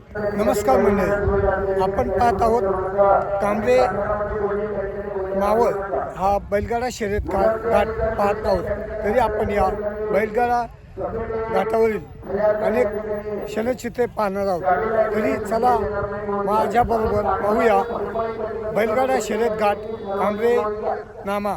नमस्कार मंडळी, आपण पाहत आहोत कांबळे मावळ हा बैलगाडा शर्यत घाट पाहत आहोत. तरी आपण या बैलगाडा घाटावरील अनेक क्षणचित्रे पाहणार आहोत. तरी चला माझ्याबरोबर पाहूया बैलगाडा शर्यत घाट कांबळे नामा.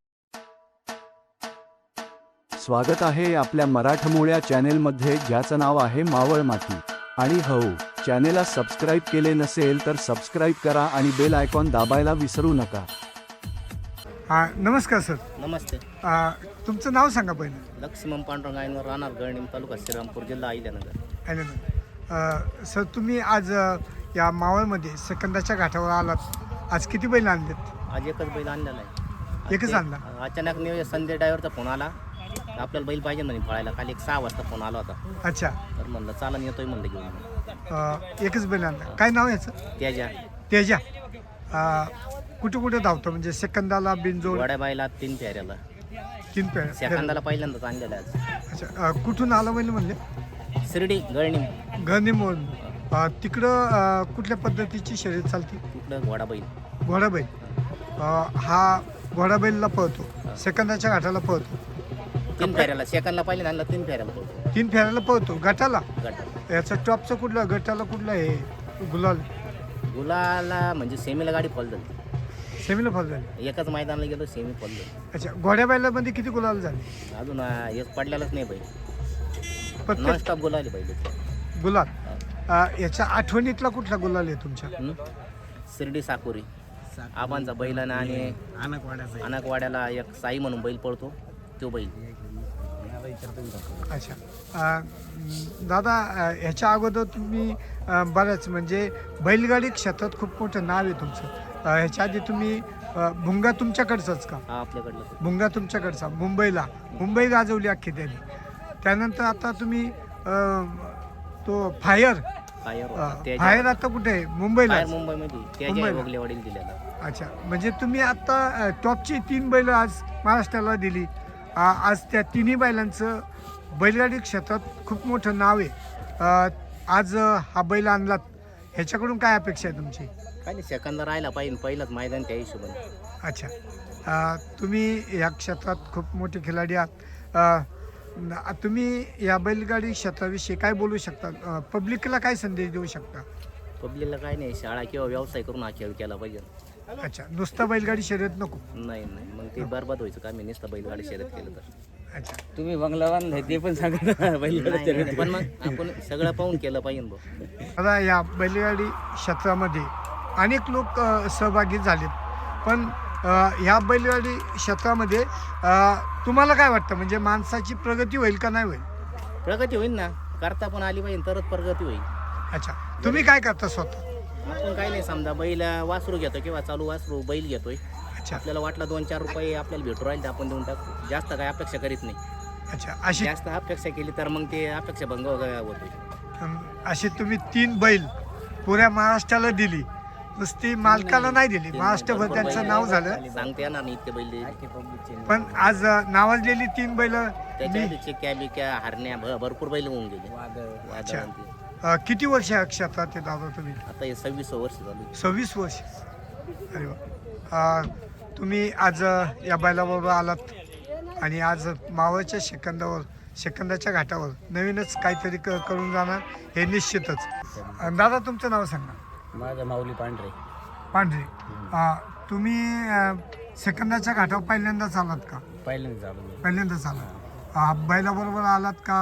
स्वागत आहे आपल्या मराठमोळ्या चॅनेलमध्ये, ज्याचं नाव आहे मावळ माती. आणि हो, चॅनेलला सबस्क्राईब केले नसेल तर सबस्क्राईब करा आणि बेल आयकॉन दाबायला विसरू नका. नमस्कार सर. नमस्ते. तुमचं नाव सांगा पहिलं. लक्ष्मण पांडुरंग आयनवर राहणार गळणीम, तालुका श्रीरामपूर, जिल्हा अहिल्यानगर. सर, तुम्ही आज या मावळमध्ये सेकंदाच्या घाटावर आलात. आज किती बैल आणलेत? आज एकच बैल आणलेला आहे. एकच आणला? अचानक संजय ड्रायव्हरचा फोन आला, आपल्याला बैल पाहिजे म्हणे पळायला. काल 6 वाजता फोन आला होता. अच्छा. तर म्हणलं चालन, येतोय म्हणलं घेऊन. एकच बैल आणला. काय नाव याचं? तेजा. कुठे कुठे धावतो, म्हणजे सेकंदाला, बिनजोड? वड्या बायला 3 फेऱ्याला. 3 फेऱ्या सेकंदाला पहिल्यांदाच आणलेला आज. अच्छा. कुठून आलं बैल म्हणले? शिर्डी गळणीम. गणिमोड. तिकडं कुठल्या पद्धतीची शर्यत चालते? तिकडं घोडाबैल. घोडाबैल. हा घोडाबैलला पळतो, सेकंदाच्या घाटाला पळतो. 3 फेऱ्याला. सेकंदला पहिल्यांदा आणला, 3 फेऱ्याला पळतो. 3 फेऱ्याला पळतो. गटाला गटाला. याचं टॉपचं कुठलं, गटाला कुठलं हे गुलाल? गुलाला म्हणजे सेमीला गाडी फॉल झाली. सेमीला फॉल झाली. एकच मैदानाला गेलो, सेमी फॉल झाली. अच्छा. घोड्या बैलामध्ये किती गुलाल झाले? अजून एक पडलेलाच नाही बैल. प्रत्येक नॉनस्टॉप गुलाल बैल. गुलाल. याच्या आठवणीतला कुठला गुलाल आहे तुमच्या? शिर्डी साकोरी आबांचा बैलानं आणि अनकवाड्याला एक साई म्हणून बैल पळतो, तो बैल. अच्छा. दादा, ह्याच्या अगोदर तुम्ही बऱ्याच म्हणजे बैलगाडी क्षेत्रात खूप मोठं नाव आहे तुमचं. ह्याच्या आधी तुम्ही भुंगा तुमच्याकडचाच का? हा, आपल्याकडलं. भुंगा तुमच्याकडचा. मुंबई गाजवली अख्खी त्यांनी. त्यानंतर आता तुम्ही तो फायर आता कुठे आहे? मुंबईला. मुंबईमध्ये त्याच्या वगलेवाडीला दिलेला. अच्छा. म्हणजे तुम्ही आता टॉपची 3 बैल आज महाराष्ट्राला दिली. आज त्या 3ही बैलांचं बैलगाडी क्षेत्रात खूप मोठं नाव आहे. आज हा बैल आणलात, ह्याच्याकडून काय अपेक्षा आहे तुमची? काय नाही, सेकंद राहिला पाहिजे पहिलंच मैदान, त्या हिशोबाने. अच्छा. तुम्ही या क्षेत्रात खूप मोठे खिलाडी आहात. तुम्ही या बैलगाडी क्षेत्राविषयी काय बोलू शकता? पब्लिकला काय संदेश देऊ शकता? पब्लिकला काय नाही, शाळा किंवा व्यवसाय करून हा खेळ केला पाहिजे. अच्छा. नुसता बैलगाडी शर्यत नको? नाही, मग ते बरबाद व्हायचं का? मी नुसतं बैलगाडी शर्यत केलं तर. अच्छा. तुम्ही बंगला बांधलाय ते पण सांगा. बैलगाडी पण मग आपण सगळं पाहून केलं पाहिजे भाऊ. आता या बैलगाडी क्षेत्रामध्ये अनेक लोक सहभागी झालेत, पण ह्या बैलगाडी क्षेत्रामध्ये तुम्हाला काय वाटतं, म्हणजे माणसाची प्रगती होईल का नाही होईल? प्रगती होईल ना, करता पण आली पाहिजे तरच प्रगती होईल. अच्छा. तुम्ही काय करता स्वतः? आपण काही नाही, समजा बैल वासरू घेतो किंवा चालू वासरू बैल घेतोय. अच्छा. आपल्याला वाटलं 2-4 रुपये आपल्याला भेटू राहील तर आपण देऊन टाकतो. जास्त काय अपेक्षा करीत नाही. अच्छा. अशी जास्त अपेक्षा केली तर मग ते अपेक्षा भंग होतोय. अशी तुम्ही 3 बैल पुऱ्या महाराष्ट्राला दिली, नुसती मालकाला नाही दिली, महाराष्ट्रभर त्यांचं नाव झालं. सांगता येणार नाही इतके बैल. पण आज नावाजलेली 3 बैल. त्याच्या चिक्क्या बिक्या हरण्या भरपूर बैल होऊन गेले. अच्छा. किती वर्ष या क्षेत्रात आहे दादा तुम्ही? आता हे 26 वर्ष झाली. 26 वर्ष. अरे वा. तुम्ही आज या बैलाबरोबर आलात आणि आज मावळच्या सेकंदाच्या घाटावर नवीनच काहीतरी करून जाणार हे निश्चितच. दादा, तुमचं नाव सांगा. माझं माऊली पांढरे. तुम्ही सेकंदाच्या घाटावर पहिल्यांदाच आलात का? पहिल्यांदाच आलात. बैलाबरोबर आलात का?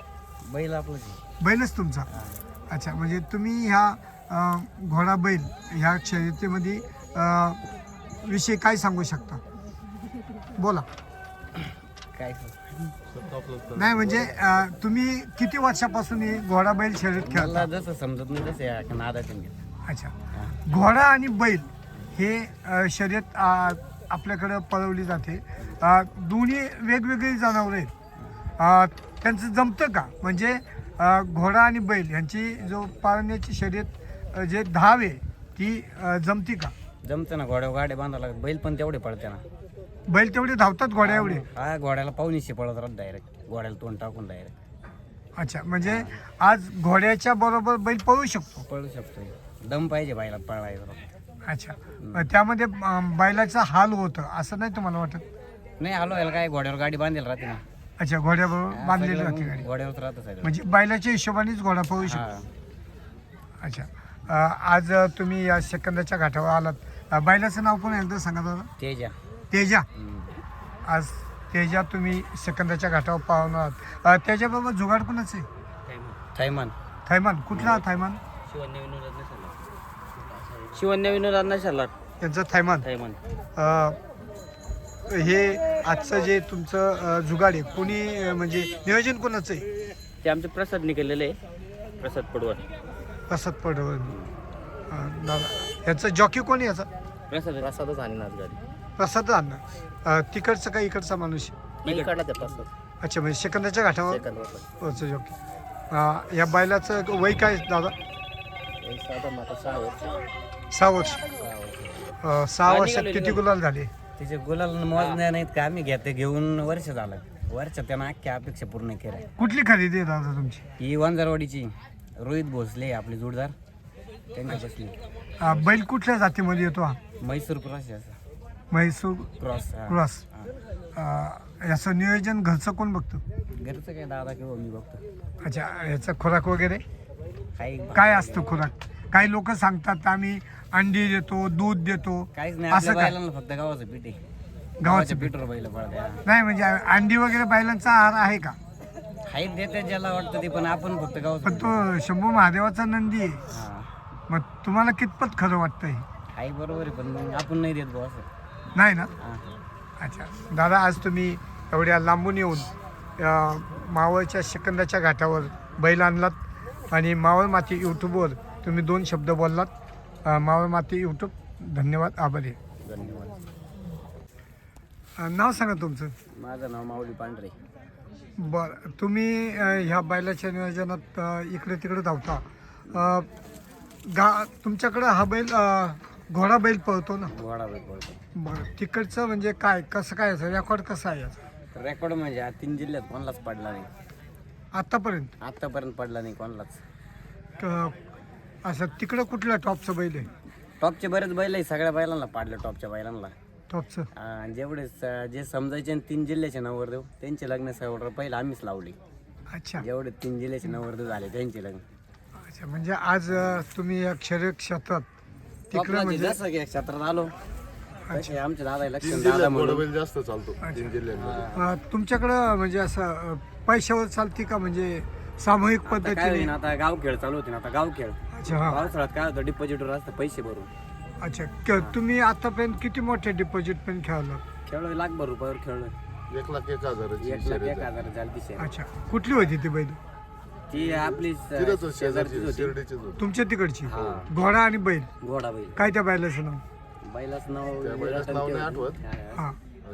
बैलच तुमचा. अच्छा. म्हणजे तुम्ही ह्या घोडा बैल ह्या शर्यतीमध्ये विषयी काय सांगू शकता? बोला. काय नाही म्हणजे तुम्ही किती वर्षापासून ही घोडा बैल शर्यत खेळता? जसं समजत नाही तसं नादात. अच्छा. घोडा आणि बैल हे शर्यत आपल्याकडं पळवली जाते. दोन्ही वेगवेगळी जनावरं आहेत. त्यांचं जमतं का? म्हणजे घोडा आणि बैल यांची जो पाळण्याची शर्यत जे धाव आहे ती जमती का? जमतं ना. गाड्या बांधावं लागत. बैल पण तेवढे पळते ना. बैल तेवढे धावतात घोड्या एवढे? हा, घोड्याला पाहुणीशी पळत राहत डायरेक्ट. घोड्याला तोंड टाकून डायरेक्ट. अच्छा, म्हणजे आज घोड्याच्या बरोबर बैल पळू शकतो. पळू शकतो. दम पाहिजे बैलात पळायला. अच्छा, त्यामध्ये बैलाचा हाल होतं असं नाही तुम्हाला वाटत? नाही आलो याला काय घोड्यावर गाडी बांधेल राहते ना. अच्छा, घोड्याबरोबर बांधलेली राहते गाडी, घोड्यावर राहतं सगळं. म्हणजे बैलाच्या हिशोबानेच घोडा पळू शकतो. हा. अच्छा, आज तुम्ही या सेकंदाच्या घाटावर आलात. बैलाचं नाव पण एकदा सांगा दादा. तेजा. तेजा. हम्म. आज तेजा तुम्ही सेकंदाच्या घाटावर पाहून आहात. त्याच्याबरोबर जुगाड कोणाच आहे? थैमान. थैमान. कुठला थैमान? शिवन्य विनोद अण्णा शर्लाट. त्यांचं थैमान. थैमान. हे आजचं जे तुमचं जुगाड आहे कोणी म्हणजे नियोजन कोणाचं आहे? ते आमचे प्रसाद निघालेले आहे, प्रसाद पडवळ. प्रसाद पडवळ. दादा याचं जॉकी कोण आहे याचा? प्रसादच आणि नाच गाडी. प्रसाद अण्णा. तिकडचं का इकडचा माणूस? नाही काढला त्या प्रसाद. अच्छा, म्हणजे सेकंदाच्या घाटावर सेकंद जॉकी. या बैलाचं वय काय दादा? साधारण आता 6 वर्ष. 6 वर्ष. 6 वर्षात किती गुलाल झाले? तिचे गुलाल मोजण्या नाहीत का, आम्ही घेऊन वर्ष झालं. वर्ष त्यानं अख्ख्या अपेक्षा पूर्ण केल्या. कुठली खरेदी आहे दादा तुमची? ही वंजारवाडीची रोहित भोसले आपले जोडदार त्यांच्या बसली. बैल कुठल्या जातीमध्ये येतो हा? म्हैसूर क्रॉस आहे. म्हैसूर क्रॉस. क्रॉस. याचं नियोजन घरचं कोण बघतो? घरचं काय दादा किंवा मी बघतो. अच्छा, याचा खुराक वगैरे काही काय असतं खुराक? काही लोक सांगतात आम्ही अंडी देतो, दूध देतो, काहीच नाही. असं आपल्या काय? बैलांना फक्त गावाचं पीठ आहे. गावाचं पीठवर बैल पळत्या. नाही म्हणजे अंडी वगैरे बैलांचा आहार आहे का? हाईट देते ज्याला वाटतं ते, पण आपण फक्त गावाचं पण पीठ. तो शंभू महादेवाचा नंदी आहे. हा. मग तुम्हाला कितपत खरं वाटतं हे? हाय बरोबर आहे, पण मग आपण नाही देत बुवा असं. नाही ना? हा. अच्छा दादा, आज तुम्ही एवढ्या लांबून येऊन मावळच्या सेकंदाच्या घाटावर बैल आणलात आणि मावळ माती यूट्यूबवर तुम्ही 2 शब्द बोललात. मावळ माती यूट्यूब धन्यवाद, आभारी आहे. धन्यवाद. नाव सांगा तुमचं. माझं नाव माऊली पांढरे. बरं, तुम्ही ह्या बैलाच्या नियोजनात इकडे तिकडे धावता. तुमच्याकडं हा बैल घोडा बैल पळतो ना? घोडा बैल पळतो. बरं, तिकडचं म्हणजे काय कसं काय याचं रेकॉर्ड कसं आहे याचं रेकॉर्ड म्हणजे हा 3 जिल्ह्यात कोणालाच पडला नाही आत्तापर्यंत? आतापर्यंत पडला नाही कोणालाच. असं तिकडं कुठलं टॉपचं बैल आहे? टॉपचे बरेच बैल आहे, सगळ्या बैलांना पाडलं टॉपच्या बैलांना. टॉपचं? जेवढे जे समजायचे आणि 3 जिल्ह्याचे नवरदेव त्यांचे लग्न सगळं पहिलं आम्हीच लावले. अच्छा. जेवढे 3 जिल्ह्याचे नवरदेव झाले त्यांचे लग्न. अच्छा, म्हणजे आज तुम्ही या शरीर क्षेत्रात तिकडं म्हणजे जसं की क्षेत्रात आलो तसे आमच्या दादा लक्ष जास्त चालतो 3 जिल्ह्यांमध्ये. तुमच्याकडं म्हणजे असं पैशावर चालते का म्हणजे सामूहिक काय पद्धतीने? होईन आता गाव खेळ चालू होते ना, आता गाव खेळ अच्छा. हा. पावसाळ्यात काय होतं डिपॉझिटवर असतं पैसे भरून. अच्छा, तुम्ही आतापर्यंत किती मोठे डिपॉझिट पण खेळला? खेळलो लाखभर रुपयावर खेळलो. 1,01,000 1,01,000 झाली ती शर्यत. अच्छा, कुठली होती ती बैल? ती आपली शेजारचीच होती. तुमच्या तिकडची? हा. घोडा आणि बैल? घोडा बैल. काय त्या बैलाचं नाव? बैलाच नाव बैलाचं नाव नाही आठवत. हा,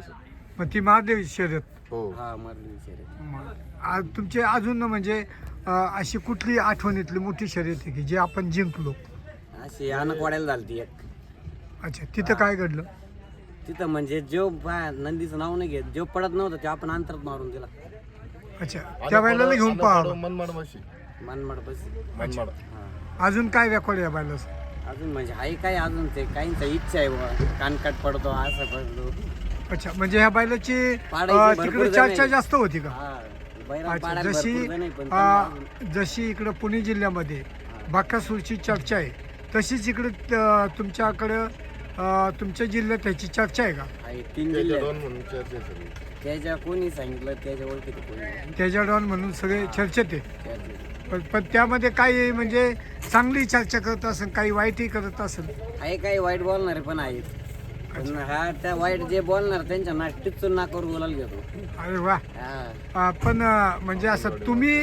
मग ती महादेव शर्यत. हो. हा मरली शर्यत. आज तुमचे अजून म्हणजे अशी कुठली आठवणीतली मोठी शर्यत आहे की जे आपण जिंकलो? अशी अनकवाड्याला झाली ती एक. अच्छा, तिथं काय घडलं? तिथं म्हणजे जो नंदीचं नाव नाही घेत, जो पडत नव्हता ते आपण अंतरात मारून दिला. अच्छा, त्या बैलाला घेऊन पहा. मनमाड माशी. मनमाड बस. मनमाड. हा. अजून काय रेकॉर्ड आहे या बैलाचं? अजून म्हणजे हाय काय अजून ते काहींचा इच्छा आहे बुवा, कानकाट पडतो असं पडतो. अच्छा, म्हणजे ह्या बैलाची पाडायची भरपूर तिकडे जण चर्चा आहे. जास्त होती का? हा बैलाला अच्छा, पाडायला जशी भरपूर जण आहे, पण त्यांना जशी इकडं पुणे जिल्ह्यामध्ये बाकासूरची चर्चा आहे तशीच इकडे तुमच्याकडं तुमच्या जिल्ह्यात त्याची चर्चा आहे का? आहे 3 जिल्ह्यात. दोन म्हणून चर्चा आहे सगळी. त्याच्या कोणी सांगितलं त्याच्या ओळखीत कोणी त्याच्या डॉन म्हणून सगळे चर्चेत आहे. त्याच्या पण त्यामध्ये काही म्हणजे चांगली चर्चा करत असेल, काही वाईटही करत असेल. आहे काही वाईट बोलणारे पण आहेत, पण हा त्या वाईट जे बोलणार त्यांच्या टिचून नाकावर बोलायला घेतो. अरे वा. हा. पण म्हणजे असं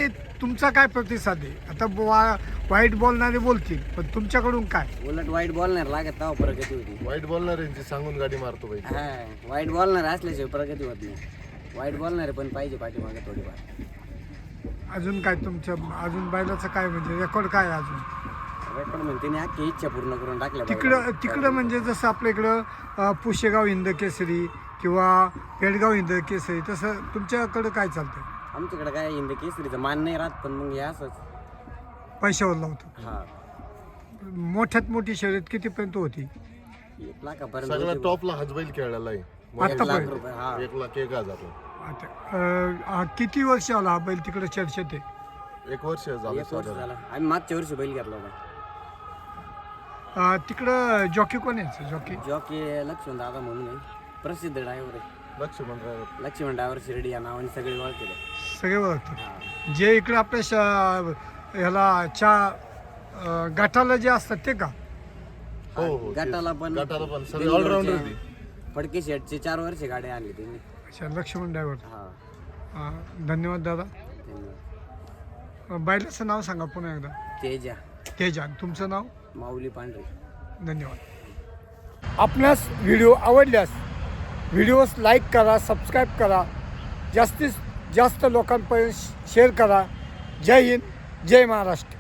तुमचा काय प्रतिसाद आहे? आता वाईट बोलणारे बोलतील, पण तुमच्याकडून काय? उलट वाईट बोलणार लागत तेव्हा प्रगती होती. वाईट बोलणाऱ्यांची सांगून गाडी मारतो बाई. हा वाईट बोलणार असल्याशिवाय प्रगती होत नाही. वाईट बोलणारे पण पाहिजे पाठीमागे थोडीफार. अजून काय तुमच्या अजून बैलाचं काय म्हणजे रेकॉर्ड काय आहे अजून? रेकॉर्ड म्हणते तिने अख्खी इच्छा पूर्ण करून टाकल्या तिकडं म्हणजे जसं आपल्या इकडं पुशेगाव हिंद केसरी किंवा पेडगाव हिंद केसरी, तसं तुमच्याकडं काय चालतं? आमच्याकडे काय हिंद केसरीचं मान नाही राहत, पण मग हे असंच. पैशावर लावतो. हा, मोठ्यात मोठी शर्यत कितीपर्यंत होती? 1 लाखापर्यंत सगळ्यात होती. टॉपला हाच बैल खेळलेला आहे. 1 लाख आतापर्यंत? रुपये. हा, 1,01,000. आता किती वर्ष आला हा बैल तिकडे चर्चेत आहे? 1 वर्ष झालं 1 वर्ष साधारण. झालं. आम्ही मागच्या वर्षी बैल घेतला होता. तिकडं जॉकी कोण आहे? जॉकी जॉकी लक्ष्मण दादा म्हणून आहे, प्रसिद्ध ड्रायव्हर आहे. लक्ष्मण ड्रायव्हर. लक्ष्मण ड्रायव्हर शिर्डी या नावाने सगळे ओळखते. सगळे ओळखतात. जे इकडे आपल्या ह्याला गाठाला जे असतात ते का? हो हो तेच. गटाला पण गटाला पण सगळे ऑलराऊंडर ती. फडके शेटचे 4 वर्ष गाडी आणली त्यांनी. अच्छा, लक्ष्मण ड्रायव्हर. हा, धन्यवाद दादा. धन्यवाद. बैलाचं नाव सांगा पुन्हा एकदा. तेजा तेजान. तुमचं नाव? माऊली पांढरे. धन्यवाद. आपणास व्हिडिओ आवडल्यास व्हिडिओस लाईक करा, सबस्क्राईब करा, जास्तीत जास्त लोकांपर्यंत शेअर करा. जय हिंद, जय महाराष्ट्र.